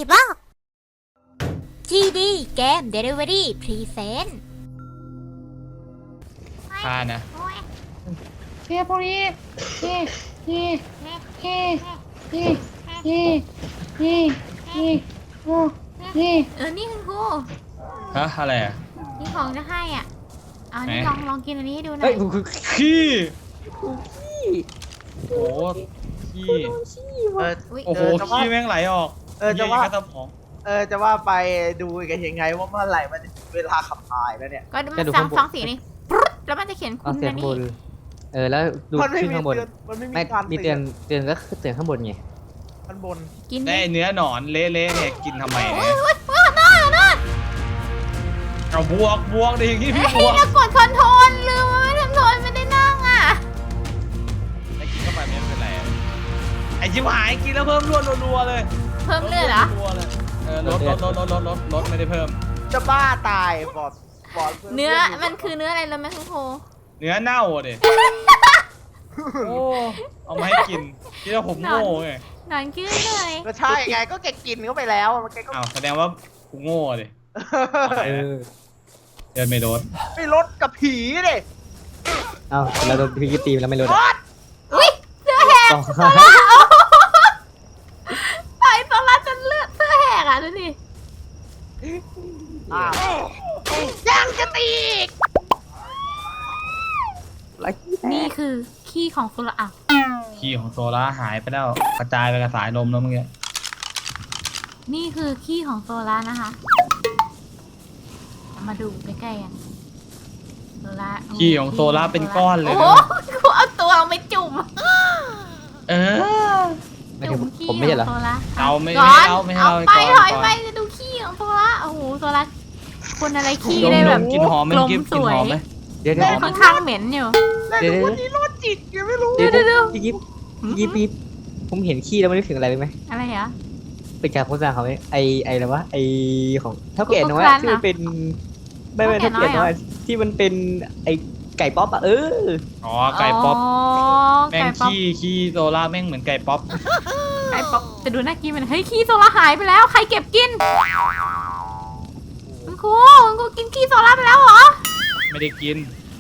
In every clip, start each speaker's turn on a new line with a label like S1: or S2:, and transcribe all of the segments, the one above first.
S1: บอก GD เกม Delivery Present
S2: ค่านะ
S3: เฮียพวกนี้นี่นี่นี่นี่นี่นี่นี่โอ้นี่
S1: นี่คุณครู
S2: ฮะอะไรอ่ะ
S1: นี่ของจะให้อ่ะ เอานี่
S2: ไหน
S1: ลองกินอันนี้ให้ดูหน่
S2: เฮ้
S1: อย ย
S2: ขี้โอ้ขี้
S1: อุ๊ย
S2: โอ้โหขี้แม่งไหลออก
S4: จะว่า
S2: เหี้ยกระสมอง
S4: จะว่าไปดูกันยังไงว่าเมื่อไหร่มันจะถึงเวลาขับถ่ายแล้วเนี่ย
S1: ก็มันสองสีนี่ปึ๊ดแล้วมันจะเขียน
S5: เอา
S1: คุณ
S5: เสีย
S1: นะ
S5: งบ
S1: นี่
S5: นแล้วดู
S4: มันไม่
S5: ขึ้น
S4: มี
S5: ข้างบน
S4: เตือนมันไม่มี
S5: ไม่
S4: การ
S5: มีเตือนก็คือเตือนข้างบนไง
S4: มันบน
S1: กิน
S2: ได้เนื้อหนอนเละๆเนี่ยกินทำไม
S1: โอ้
S2: เนี่ย ย
S1: โอ้ยโอ้ยน่าน่า
S2: เอาบวกดิอย่างงี้พี่บ
S1: เฮ้ยว
S2: ก
S1: เรากดคอนโทรลลืมว่าไม่ทำโทรลไม่ได้นั่งอ่ะ
S2: แล้วกินเข้าไปไม่เป็นไรไอ้ชิบหายกินแล้วเพิ่มรวดรัวๆเลย
S1: เพิ่มเลือดเหรอ
S2: รัวๆเลยลดไม่ได้เพิ่ม
S4: จะบ้าตายบอด
S1: เนื้อมันคือเนื้ออะไรรู้ไหมคุณครู
S2: เนื้อเน่าอ่ะดิโอ้เอามาให้กินคิดว่าผมโง่ไง
S1: หนอนขึ้นเลย
S4: ก็ใช่ไงก็แกกินเข้าไปแล้วมันแกก็
S2: อ้าวแสดงว่ากูโง่ดิ
S5: เออ
S2: เดินไม่โดน
S4: ไม่ลดกับผีดิ
S5: เอาเราโดนพี่ตีแล้วไม่รู้
S4: บอด
S1: อุ้ยเสื้อแหก
S5: ต้อง
S1: ไอ้ตอนรัดจนเลือดเสื้อแหกอ่ะดูดิ
S4: อ้าวยังจะตีอีก
S1: นี่คือขี้ของโซล่าอ่ะ
S2: ขี้ของโซล่าหายไปแล้วกระจายไปกับสายลมแล้วเมื่อกี้
S1: นี่คือขี้ของโซล่านะคะมาดูใกล้ๆกันโซล่า
S2: ขี้ของโซล่าเป็นก้อนเลย
S1: โอ้
S2: นะ
S1: โหกูเอาตัวลงไปจุ่ม
S2: เออ
S5: ไม่
S1: จุ่
S5: ใช่
S1: มขี้
S5: ผมไม่ใช่เหรอ
S1: ของโซล่า
S2: เอาไม่
S1: ก่อน
S2: เอาไม่เอา
S1: ไป
S2: ก่อน
S1: ถอย
S2: ก่อน
S1: ไปจะดูขี้ของโซล่าโอ้โหโซล่าคนอะไรขี้
S2: ดม
S1: ได้แบบ
S2: กลินหอมไหม
S1: กลม
S2: กิน
S1: สวย
S2: หอมไหม
S5: เดี๋ยว
S1: แต่ค่อนข้างเหม็นอยู่
S4: แต่ดูวันนี้โรคจิตยังไม่รู้
S5: เดี๋ยว
S1: เดี๋ยว
S5: พี่กิ๊บพี่ผมเห็นขี้แล้วไม่นึกถึงอะไรเลยไหม
S1: อะไรเหรอ
S5: เป็นการโฆษณาเขาไหมไออะไรวะไอของเท่าแก่น้อย
S1: โฆษณา
S5: ที่มันเป็นไม่
S1: เท่า
S5: เท่า
S1: แก่
S5: แก่
S1: น้
S5: น้
S1: อ
S5: อย ยที่มันเป็นไอไก่ป๊อปอ่ะ
S2: อ๋อไก่ป๊อปแม่
S1: ไก่
S2: ง
S1: ป๊อป
S2: ขี้โซล่าแม่งเหมือนไก่ป๊อป
S1: ไก่ป๊อปแต่ดูน่ากินมันเฮ้ยขี้โซล่าหายไปแล้วใครเก็บกินคุณครูกินขี้โซล่าไปแล้วเหรอ
S2: ไม่ได้กิน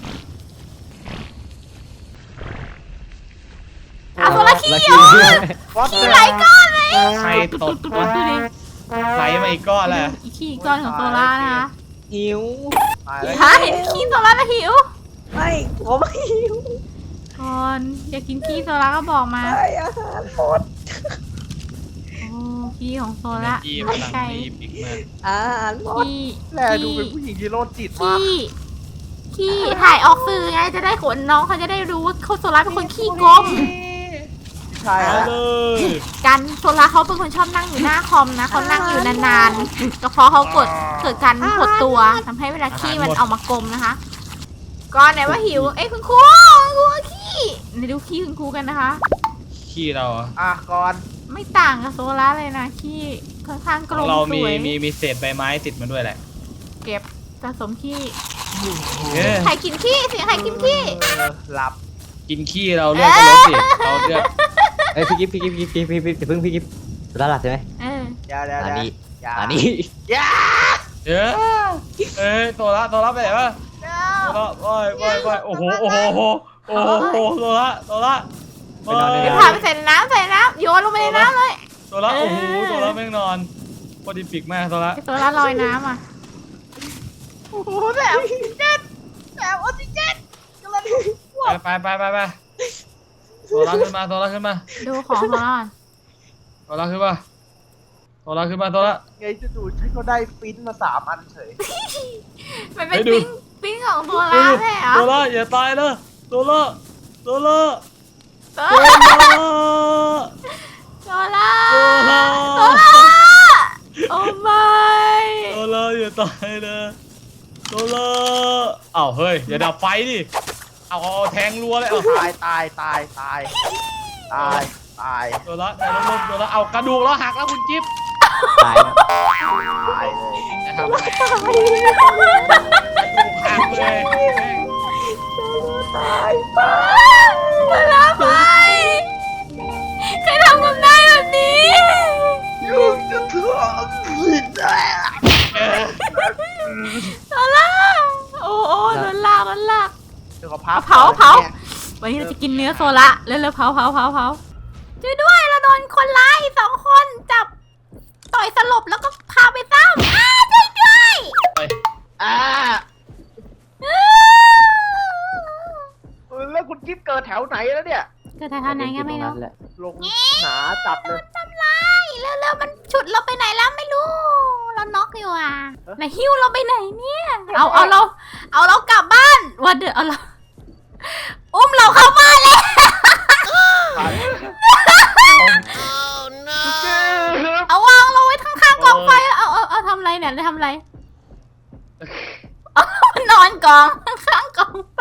S1: อ่ะโซล่าขี้
S5: แล้ว
S1: เหรอ
S4: บอส
S1: ขี้ไหลก้อนเลย
S2: ใครตด
S1: ดู
S2: วะ
S1: ดิ
S2: ไหลมาอีกก้อนแล้ว
S1: อีขี้ก้อนของโซล่านะคะ
S5: หิว
S4: ตายแล้ว
S1: ถ้าเห็นขี้โซล่าแล้วหิว
S5: ไม่ผมไม่หิว
S1: ก่อนอยากกินขี้โซล่าก็บอกมา
S5: ไม่อาหารหมด
S1: โอ้ขี้ของโซล่า
S2: ขี้พลัง
S1: ไก่
S2: รีบอีกมาก
S5: อาหารหมด
S1: ขี้
S4: แลดูเป็นผู้หญิงที่โรคจิตมาก
S1: ขี้ถ่ายออกสื่อไงจะได้ขนน้องเขาจะได้รู้ว่าเขาโซล่าเป็นคนขี้โกง
S4: ใช่
S2: เอา
S4: ฮะ
S2: เลย
S1: กันโซล่าเขาเป็นคนชอบนั่งอยู่หน้าคอมนะเขานั่งอยู่นานๆก็เพราะเขาเกิดการหดตัวทำให้เวลาขี้มันออกมากลมนะคะก่อนไหนว่าหิวเอ้ยคุณครูขี้เดี๋ยวดูขี้คุณครูกันนะคะ
S2: ขี้เราอะ
S4: ก่อน
S1: ไม่ต่างกับโซล่าเลยนะขี้ค่อนข้างก
S2: ข
S1: ล
S2: อง
S1: ม
S2: เรา
S1: ส
S2: มี
S1: วย
S2: มีเศษใบไม้ติดมาด้วยแหละ
S1: เก็บสะสมขี้
S2: เออ
S1: ใครกินขี้เสียงใครกินขี้
S4: หลับ
S2: กินขี้เราเลือดก็ลดสิเราเลือด
S5: เอ้ยพี่กิ๊บพี่เพิ่งพี่กิ๊บสุดาหลับใช่ไหม
S1: เออ
S4: อย่า
S5: อันนี้
S4: อย่า
S5: อันนี้
S4: อย่า
S2: เออเอ้ยตัวละไปไหนวะตัวละว่ายโอ้โหตัวละ
S5: ไปนอนได้
S1: เดี๋ยว
S5: แล้
S1: พาไปใส่น้ำโยนลงไปในน้ำเลย
S2: ตัวละโอ้โหตัวละแม่งนอนพอดีปิกมากตัวละ
S1: ไอโซล่าลอยน้ำอ่ะ
S4: โอ้โหแบบออกซิเจนแบบออกซิเจนกำลัง
S2: ไปตัวละขึ้นมา
S1: ดูของโซล่าก่อน
S2: ตัวละขึ้นมาตัวละ
S4: ไงจะดูฉันก็ได้ฟินมา3 อันเฉย
S1: มันเป็น
S2: ให้ดู
S1: ปิ้งของโซล่าใช่เหรอ
S2: ตัวละอย่าตายนะตัวละ
S1: โซล่าโซล่าโอ้ไม่
S2: ตัวละอย่าตายนะตัวละอ้าวเฮ้ยอย่าดับไฟดิเอาแทงรัวเลยเอา
S4: ตาย
S2: ตัวละในร่มตัวละเอากระดูกแล้วหักแล้วคุณจิ๊บ
S5: ตายแล้ว
S4: ตายเลย
S2: จะทำไงกระดูกหักเลยแม่ง
S1: โซล่าไปใครทำกับนายแบบนี้
S4: ยุ่งจะเถอะ
S1: วันนี้เราจะกินเนื้อโซละเร็วๆเผาช่วยด้วยเราโดนคนร้าย2 คนจับต่อยสลบแล้วก็พาไปซ้ำช่วยด้วย
S4: อ่าแล้วคุณกิ๊บเกิดแถวไหนแล้วเนี่ย
S1: เกิดทางไหนกันไม่รู้
S5: แหละ
S4: ลงหนาจัดเลย
S1: ทำลายเร็วๆมันฉุดเราไปไหนแล้วไม่รู้ เราน็อกอยู่อ่ะไหนหิ้วเราไปไหนเนี่ยเอาเรากลับบ้านวันเดือเอาเราอุ้มเราเข้าบ้านเลยเอาวางเราไว้ข้างๆกองไฟเอาทำอะไรเนี่ยทำอะไรเอานอนกองข้างๆกองไฟ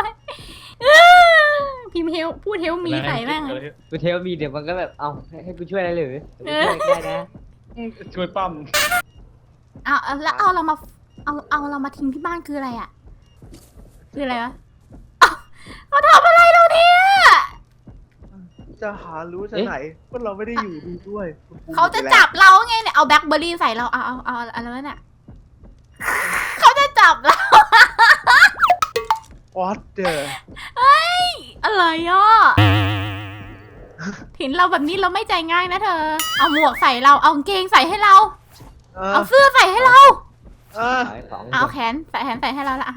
S1: พิมพ์เฮลพูดเฮลมีใส่บ้าง
S5: กูเทลมีเดี๋ยวมันก็แบบเอาให้กูช่วยอะไรหรือเดี๋ยวกูช่วยได้นะ
S2: ช่วยปั้ม
S1: แล้วเอาเรามาทิ้งที่บ้านคืออะไรอ่ะคืออะไรวะเขาทำอะไรเราเนี่ย
S4: จะหารู้จะไหนว่าเราไม่ได้อยู่ดีด้วย
S1: เขาจะจับเราไงเนี่ยเอาแบล็คเบอร์รี่ใส่เราเอาอะไรวะเนี่ยเขาจะจับเรา
S4: What the
S1: อะไรอ่ะเห็นเราแบบนี้เราไม่ใจง่ายนะเธอเอาหมวกใส่เราเอากางเกงใส่ให้เราเอาเสื้อใส่ให้เรา
S5: ขายของ
S1: เอาแขนใส่ให้เราละ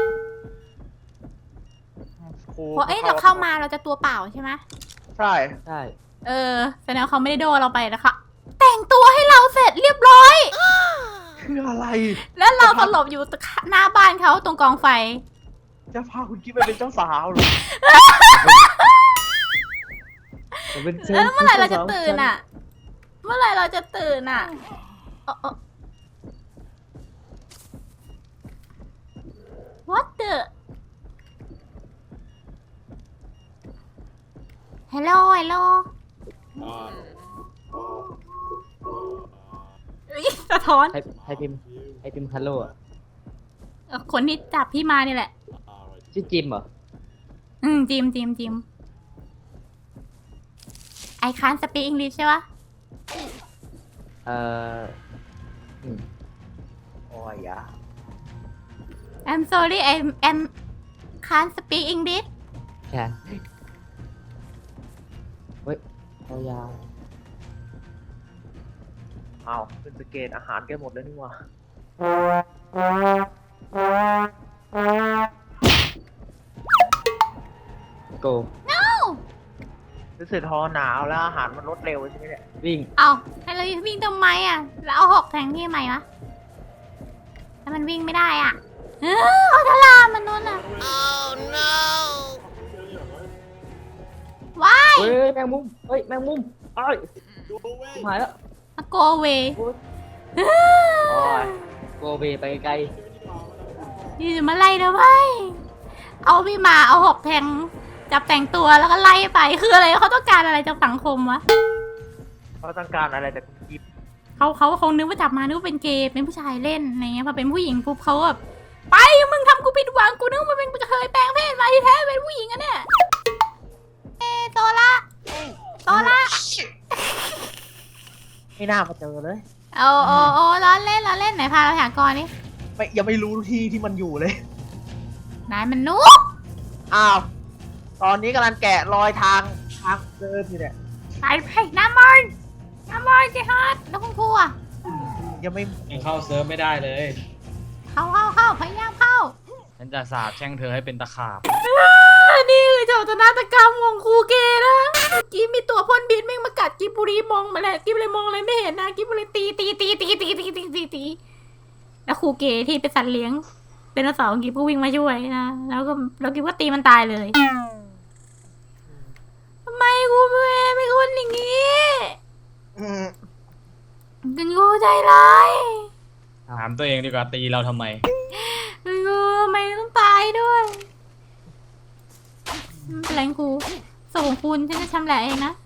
S1: เพราะเราเข้ามาเราจะตัวเปล่าใช่ไหม
S4: ใช่
S5: ใช่
S1: แสดงว่าเขาไม่ได้โดนเราไปนะคะแต่งตัวให้เราเสร็จเรียบร้อย
S4: คืออะไร
S1: แล้วเราสลบอยู่หน้าบ้านเขาตรงกองไฟ
S4: จะพาคุณกิ๊บไปเป็นเจ้าสาวเหรอ
S1: แล้วเมื่อไหร่เราจะตื่นอ่ะ เมื่อไหร่เราจะตื่นอ่ะWhat the Hello สะท้อน
S5: ให้พิมพ์ฮัลโหลอ่ะ
S1: คนที่จับพี่มานี่แหละ
S5: ชื่อจิมเหรอ
S1: จิมI can't speak English ใช่ปะ
S5: อืม
S4: โอ้ยอะ
S1: I'm sorry I can't speak English
S5: ใช่เฮ้ยเอายาว
S4: อ้าวเป็นสเกตอาหารแกหมดแล้วนี่หว่า
S5: โก
S1: No
S4: รู้สึกทอหนาวแล้วอาหารมันลดเร็วใช่ไหมเนี่ย
S5: วิ่ง
S1: เอาให้เราวิ่งทำไมอ่ะ แล้วเอาหอกแทงที่ทำไมวะแล้วมันวิ่งไม่ได้อ่ะเอาทลามันนู่นอ่ะ Oh no ว้าย
S5: เฮ้ยแมงมุมเอ้ยหายแล้ว
S1: มาโกเว
S5: โอ้ยโกเบไปไกล
S1: นี่จะมาไล่นะเว้ยเอาพี่มาเอาหอกแทงจับแต่งตัวแล้วก็ไล่ไปคืออะไรเขาต้องการอะไรจากสังคมวะ
S4: เขาต้องการอะไรจากคุณกิ๊บ
S1: เขาคงนึกว่าจับมานึกว่าเป็นเกย์เป็นผู้ชายเล่นอะไรเงี้ยพอเป็นผู้หญิงปุ๊บเขาแบบไปมึงทำกูผิดหวังกูนึกว่ามันเป็นกระเทยแปลงเพศมาที่แท้เป็นผู้หญิงอะเนี่ยโซล่า
S4: ไม่น่ามาเจอเลย
S1: โอ้ล้อเล่นไหนพาเราหากรนี่
S4: ยังไม่รู้ที่มันอยู่เลย
S1: นายมันนุก
S4: อ้าว ตอนนี้กำลังแกะรอยทางเดินอยู่เนี่ย
S1: ไปน้ำมันเจฮัดแล้วคุณครูอะ
S4: ยังไม่
S2: ยังเข้าเซิร์ฟไม่ได้เลย
S1: เข้าพยายามเข้า
S2: ฉันจะสาบแช่งเธอให้เป็นตะขาบ
S1: นี่คือโจทนาฏกรรมของครูเกนะเมื่อกี้มีตัวพ่นบินแม่งมากัดกิบบุรีมองมาแล้วกิบเลยมองอะไรไม่เห็นนะกิบบุรีตีแล้วครูเกที่เป็นสัตว์เลี้ยงเป็นนสาวกิบก็วิ่งมาช่วยนะแล้วกิบก็ตีมันตายเลยทำไมครูเป็นคนอย่างนี้กันกูใจร้าย
S2: ถามตัวเองดีกว่าตีเราทำไม
S1: กูทำไมต้องตายด้วยไม่เป็นไรครูส่งคุณฉันจะชำแหละเองนะ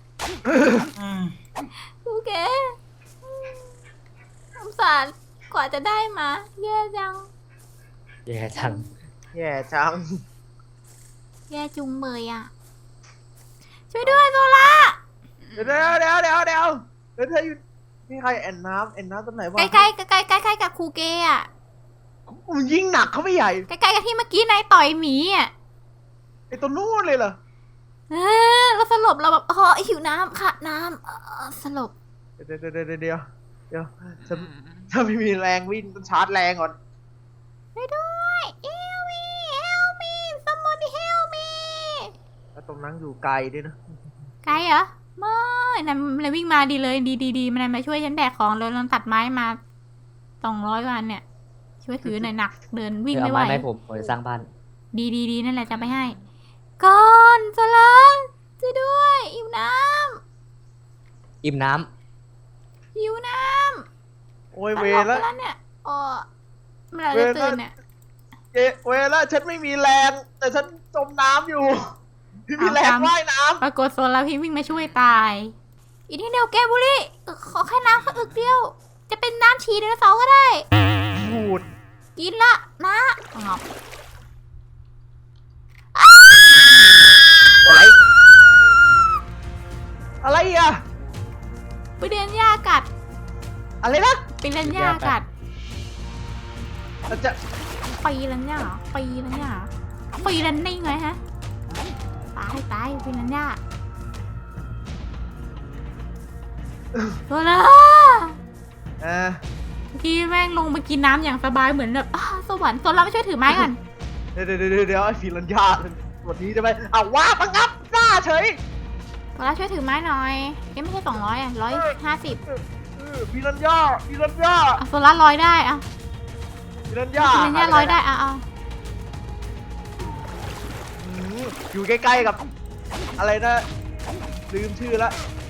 S1: ครูเก๋สงสารกว่าจะได้มาแย่จัง
S5: แย่จัง
S4: แย่จัง
S1: แย่จุงเมยอ่ะช่วยด้วยโซล่า
S4: เดี๋ยวเธออยู่นี่ใครแอนน้ำตรงไหนวะ
S1: ใกล้กับครูเก๋อ่ะ
S4: มันยิ่งหนักเข้าไปใหญ่
S1: ใกล้กับที่เมื่อกี้นายต่อยหมีอ่ะ
S4: ไอตัวนู้นเลยเหรอ
S1: เราสลบเราแบบหิวน้ำค่ะน้ำสลบ
S4: เดี๋ยวฉันไม่มีแรงวิ่งต้องชาร์จแรงก่อน
S1: ช่วยด้วย help me somebody help me
S4: แล้วตรงนั้นอยู่ไกลด้วยนะ
S1: ไกลเหรอไม่นายเลยวิ่งมาดีเลยดีมันายมาช่วยฉันแบกของเลยเราตัดไม้มา200 กว่าอันเนี่ย ช่วยถือหน่อยหนักเดินวิ่ง
S5: เอา
S1: ไม่ไหว
S5: ไม้ให้ผมจะสร้างบ้าน
S1: ดีนั่นแหละจะไปให้ก่อนโซลันช่วยด้วยหิวน้
S5: อิ่มน้
S1: ำหิวน้ำ
S4: โอ้ย
S1: ต
S4: เว
S1: ล
S4: ร
S1: ก
S4: แล้ว
S1: แล้วเนี่ยเมื่อไหรจะตื่นเนี่ย
S4: เวรแล้วฉันไม่มีแรงแต่ฉันจมน้ำอยู่พี่มีแรงว่ายน้
S1: ปรากฏโซลันพี่วิ่งมาช่วยตายอีกนิดเดียวแกบุรีขอแค่น้ำสักอึกเดียว จะเป็นน้ำฉี่ไดโนเสาร์ก็ได้
S4: ำพูด
S1: กินละนะงอบ
S4: อะไรอ่ะ
S1: ไปเดินหญ้ากัด
S4: อะไรนะ
S1: ไปเดินหญ้ากัด
S4: เราจะ
S1: ปีลันหญ้าเหรอปีลันหญ้าเหรอปีลันนิ่งเลยฮะตายปีลันหญ้าตัวละ
S4: เออ
S1: เมื่อกี้แม่งลงมากินน้ำอย่างสบายเหมือนแบบสวรรค์ตัวละไม่ช่วยถือไม้ก่อน
S4: เดี๋ยวไอ้ฟิลันยาวันนี้จะไปเอาว่าปังงับหน้าเฉย
S1: ตัวละช่วยถือไม้หน่อยไม่ใช่200 150
S4: ฟิลันยา
S1: ตัวละ100ได้อะ
S4: ฟิลันยา
S1: ปีลันหญ้า100ได้เอา
S4: อยู่ใกล้ๆกับ อะไรนะลืมชื่อละ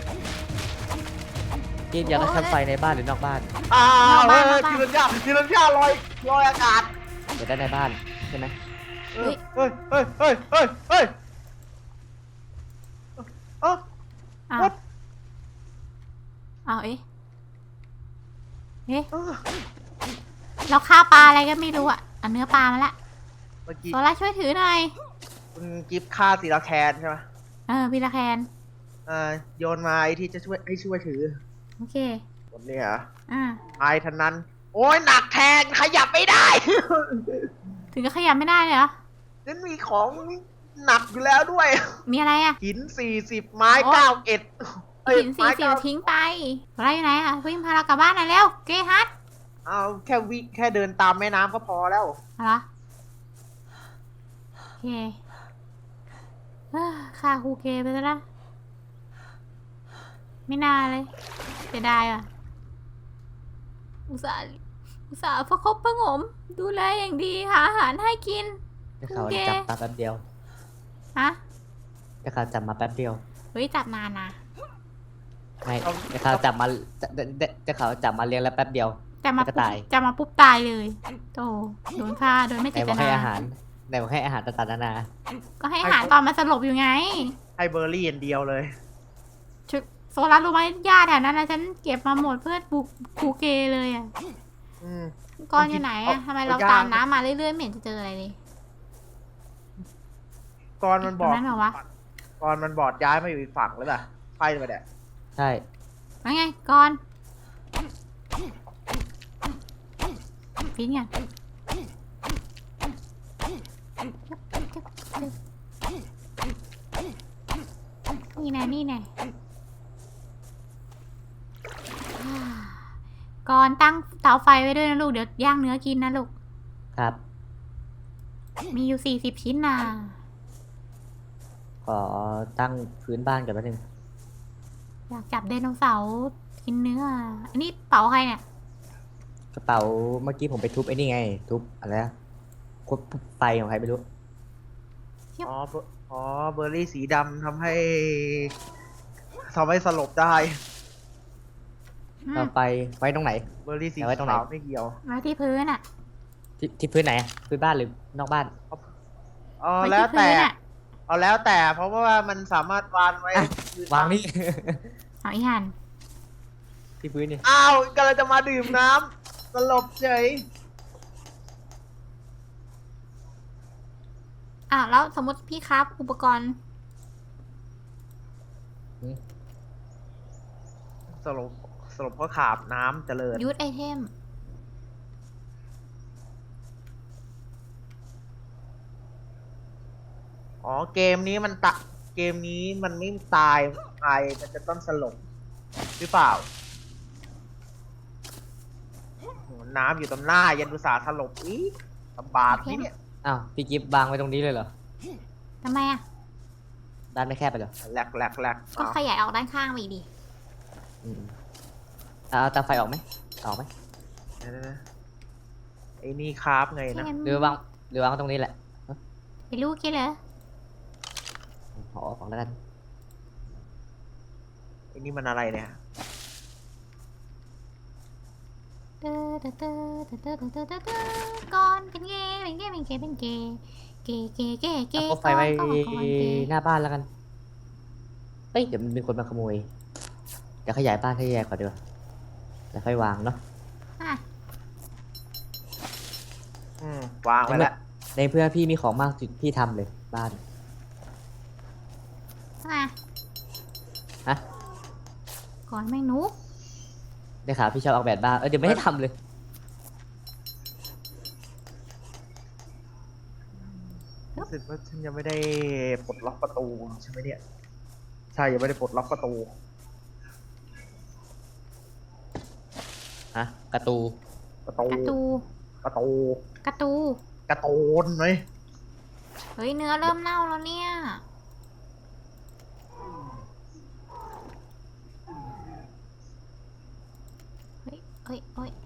S5: ำกินอยากได้แคมป์ไฟในบ้านหรือนอกบ้าน
S4: ฟิลันยาลอยอากาศ
S5: อยากได้ในบ้านใช่ไหม
S4: เฮ้ยเอ้า
S1: เอาเอ๊ะเราฆ่าปลาอะไรก็ไม่รู้อะเอาเนื้อปลามาละ
S4: เมื่อกี้
S1: โซล่าช่วยถือหน่อย
S4: คุณกิฟฆ่าศิลาแคนใช่ไหม
S1: พี่ละแคน
S4: โยนมาไอ้ที่จะช่วยถือ
S1: โอเค
S4: หมดเนี่ยเหรอ
S1: อ่า
S4: ไอ้ทันนั้น โอ้ยหนักแทนขยับไม่ได้
S1: ถึงก็ขยับไม่ได้เลยเหรอ
S4: ฉันมีของหนักอยู่แล้วด้วย
S1: มีอะไรอะ
S4: หิน40 ไม้
S1: โอ้
S4: 91
S1: หิน40ทิ้งไปอะไรอยู่ไหนอะวิ่งพาเรากลับบ้านหน่อยเร็วเกฮัท
S4: เอาแค่เดินตามแม่น้ำก็พอแล้ว
S1: เอาเหรอโอเคฆ่าครูเกไปซะละไม่น่าเลยเสียดายอ่ะอุตส่าห์ประคบประหงมดูแลอย่างดีหาอาหารให้กิน
S5: ได้ข่าวจับมาแป๊บเดียว
S1: ฮะ
S5: ได้ข่าวจับมาแป๊บเดียว
S1: เฮ้ยจับนานนะ
S5: ไม่ได้ข่าวจับมาได้ข่าวจับมาเลี้ยงแล้วแป๊บเดียว
S1: จะมา
S5: แล้วก็
S1: ปุ๊บ
S5: ตาย
S1: จะมาปุ๊บตายเลยโตโดนฆ่าโดยไม่
S5: ไหน
S1: เจ
S5: บ
S1: ต
S5: อกให้
S1: นา
S5: อาหารไหนบอกให้อาหารต่างๆนานา
S1: ก็ให้อาหารตอนมันสลบอยู่ไง
S4: ให้เบอร์รี่อย่างเดียวเลย
S1: ชุดโซลัสรู้ไหมหญ้าแถวนั้นนะฉันเก็บมาหมดเพื่อบุกครูเกเลยอ่ะ
S4: อืม
S1: ก้อนอยู่ไหนอ่ะทำไมเรา
S4: เอายาก
S1: ตามน้ำมาเรื่อยๆไม่เห็นจะเจออะไรเลย
S4: ก่อนมันบ
S1: ตร
S4: อง ก
S1: นั้นเหรอวะ
S4: ก่อนมันบอดย้ายมาอยู่อีกฝั่งแล้วป่ะไปไปแดะ
S5: ใช่
S1: ว่าไงก่อนฟินไงนี่แน่นี่แน่ก่อนตั้งเตาไฟไว้ด้วยนะลูกเดี๋ยวย่างเนื้อกินนะลูก
S5: ครับ
S1: มีอยู่40 ชิ้นนะ
S5: ขอตั้งพื้นบ้านก่อนแป๊บนึง
S1: อยากจับไดโนเสาร์กินเนื้ออันนี้เป๋าใครเนี่ย
S5: กระเป๋าเมื่อกี้ผมไปทุบไอ้นี่ไง ทุบอะไรนะควบไฟของใครไม่รู้
S4: อ๋อเบอร์รี่สีดำทำให้สลบได้
S1: อืม
S5: ต่อไปไว้ตรงไหน
S4: เบอร์รี่สี
S5: เอาไว้ตรงไหน
S4: ขาวไม่เกี่ยว
S1: ไว้ที่พื้นอ่ะ
S5: ที่พื้นไหนอะพื้นบ้านหรือนอกบ้าน
S1: ไว้
S4: แล้ว
S1: ที่
S4: แต่
S1: พื้นอ่ะ
S4: เอาแล้วแต่เพราะว่ามันสามารถวางไว้
S5: อ่ะ วางนี่
S1: เอาอีหัน
S5: ที่พื้นนี่
S4: อ้าวกำลังจะมาดื่มน้ำสลบเฉย
S1: แล้วสมมติพี่ครับอุปกรณ์
S4: สลบเพราะขาบน้ำเจริญ
S1: ยูทไอเทม
S4: อ๋อเกมนี้มันเกกมนี้มันไม่ตายมันจะต้องสลบหรือเปล่าโอ้โหน้ำอยู่ตรงหน้ายันดุสาสลบอีกลำบากนี่เนี่ย
S5: อ้าวพี่กิฟต์วางไว้ตรงนี้เลยเหรอ
S1: ทำไมอ่ะ
S5: ด้านไม่แคบไปเหรอ
S4: แหลก
S1: ก็ขยายออกด้านข้างไปอีกดิ
S5: อืมเอาตาไฟออกไหมออกไหม
S4: นะไอ้นี่ครับไงนะ
S5: หรือวางตรงนี้แหละ
S1: ไปลูกกี้เหรอ
S5: ขอออกแล้วกัน
S4: ไอ้นี่มันอะไรเนี่ย
S1: ก่อนเป็นเกย์เป็นเกย์เป็นเกย์เป็นเกย์เกย์เกย์เกย์เก
S5: เอา
S1: ย์
S5: ไฟไว้
S1: ก่อนเกย์
S5: หน้าบ้านแล้วกันเฮ้ยเดี๋ยวมันมีคนมาขโมยเดี๋ยวขยายบ้านให้แย่ก่อนดีกว่าแล้วค่อยวางเนาะ
S1: อ่ะ
S4: วางไว้แล้ว
S5: ในเพื่อพี่มีของมากสุดพี่ทำเลยบ้าน
S1: อ่ะ
S5: ฮะ
S1: ก่อนแม่งหนู
S5: ได้ข่าวพี่ชอบออกแบบบ้านเดี๋ยวไม่ได้ทำเลย
S4: รู้สึกว่าฉันยังไม่ได้ปลดล็อกประตูใช่ไหมเนี่ย ใช่ยังไม่ได้ปลดล็อกประตู
S5: ฮะกระตู
S4: ประตู
S1: กระตู
S4: ประตู
S1: กระตู
S4: กระโตนไหม
S1: เฮ้ยเนื้อเริ่มเน่าแล้วเนี่ยเฮ้ยเฮ้ยเฮ้ย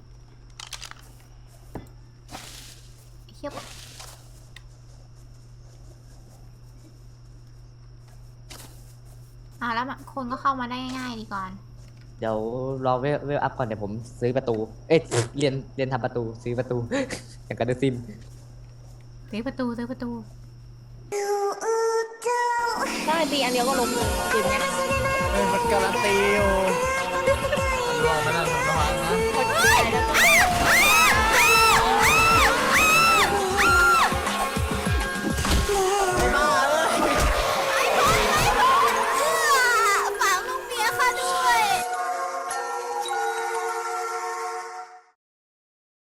S1: เฮียแล้วคนก็เข้ามาได้ง่ายๆดีก่อน
S5: เดี๋ยวรอเวลอัพก่อนเดี๋ยวผมซื้อประตู เรียนทำประตูซื้อประตู อย่างกับเดอะซิม
S1: ซื้อประตู
S3: ได้ตีอันเดียวก็ล้มเลยจริงไง
S2: มันการันตีอยู่ระวังนะระวังนะ